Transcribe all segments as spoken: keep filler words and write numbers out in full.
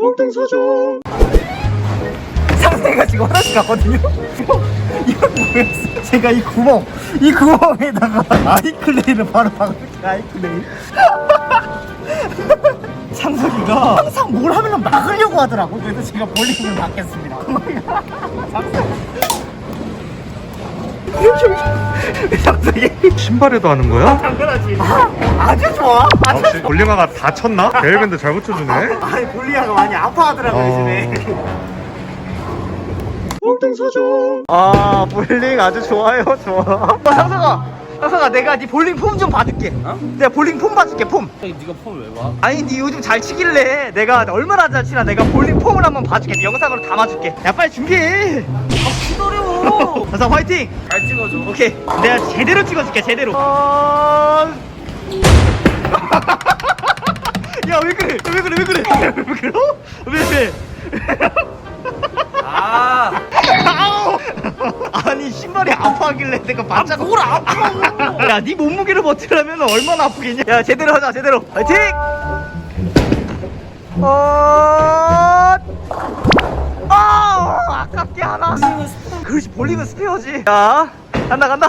엉뚱소중. 상태가 지금 화장실 갔거든요. 이거 뭐였어? 제가 이 구멍, 이 구멍에다가 아이클레이를 바로 박을게. 아이클레이. 창석이가 항상 뭘 하면 막으려고 하더라고. 그래서 제가 볼링을 받겠습니다. 창석이 신발에도 하는 거야? 당연하지. 아, 아주 좋아. 아주 혹시 볼링화가 다 쳤나? 베일밴드 잘 붙여주네. 아니 볼리아가 많이 아파하더라고 어. 요즘에. 엉뚱소중. 아 볼링 아주 좋아요. 좋아. 어, 상석아 상석아 내가 네 볼링 폼 좀 받을게. 어? 내가 볼링 폼 받을게 폼. 네가 폼 왜 봐? 아니 네 요즘 잘 치길래 내가 얼마나 잘 치나 내가 볼링 폼을 한번 봐줄게. 네 영상으로 담아줄게. 야 빨리 준비해. 기다려. 상석 화이팅. 잘 찍어줘. 오케이 내가 제대로 찍어줄게 제대로. 어... 야 왜 그래 왜 그래 왜 그래 왜 그래 왜 왜? 아, 아우! 아니 신발이 아파하길래 내가 반짝 뭘 아파? 야네 몸무게를 버티려면 얼마나 아프겠냐. 야 제대로 하자 제대로 화이팅. 어... 아 아깝게 하나. 그렇지 볼링은 스페어지. 야 간다 간다.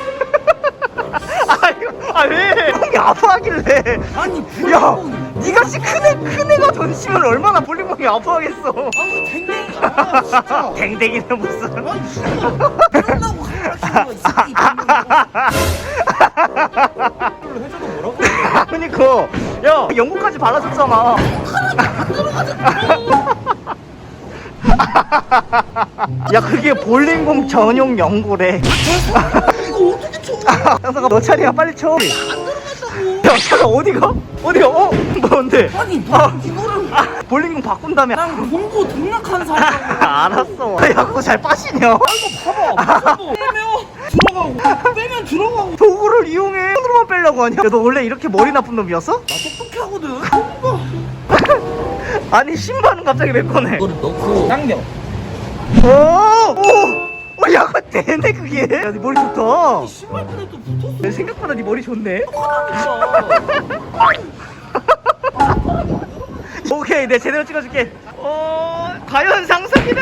아유 아왜 형이 아파하길래. 아니, 야 니같이 큰애 큰애가 던지면 얼마나 볼링공이 아파하겠어. 아우 댕댕이가 진짜. 댕댕이는 무슨. 아니 진짜. 그런다고 가르치는 거 있어. 이 댕댕이. 해줘도 뭐라고? 그니까 야 영국까지 발라줬잖아. 야 그게 볼링공 전용 연고래. 이거 어떻게 쳐? 상석아 너 차례야 빨리 쳐. 야 차가 어디가? 어디가? 어? 뭔데? 아니 너 아. 이거를 아, 볼링공 바꾼 다음에. 난 공부 등락한 사람이야. 알았어. 야 그거 잘 빠시냐? 이거 봐봐. 무슨 뭐 빼면 들어가고 빼면 들어가고. 도구를 이용해. 손으로만 빼려고 하냐? 야, 너 원래 이렇게 머리 나쁜 놈이었어? 나 똑똑해 하거든. 공부. 아니 신발은 갑자기 왜 꺼내? 이거를 넣고 당겨. 오! 오! 어, 야, 그거 되네, 그게. 야, 네 머리 좋다. 신발끈에 또 붙었어. 야, 생각보다 네 머리 좋네. 오케이, 내가 제대로 찍어줄게. 어, 과연 상석이는?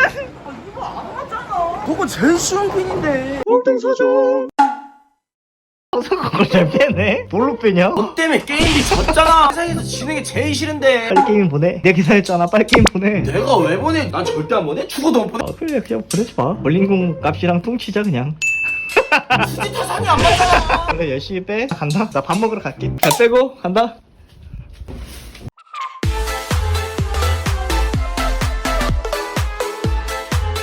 그거 제일 쉬운 핀인데. 엉뚱소중. 상석 그걸 잘 빼네? 뭘로 빼냐? 너 때문에 게임이 졌잖아. 세상에서 지는 게 제일 싫은데. 빨리 게임 보내. 내가 기사했잖아. 빨리 게임 보내. 내가 왜 보내? 난 절대 안 보내. 죽어도 못 보내. 아, 그래, 그냥 보내지 마. 볼링공 값이랑 퉁치자, 그냥. 수지 타산이 안 맞잖아. 그래, 열심히 빼. 간다. 나 밥 먹으러 갈게. 잘 빼고, 간다.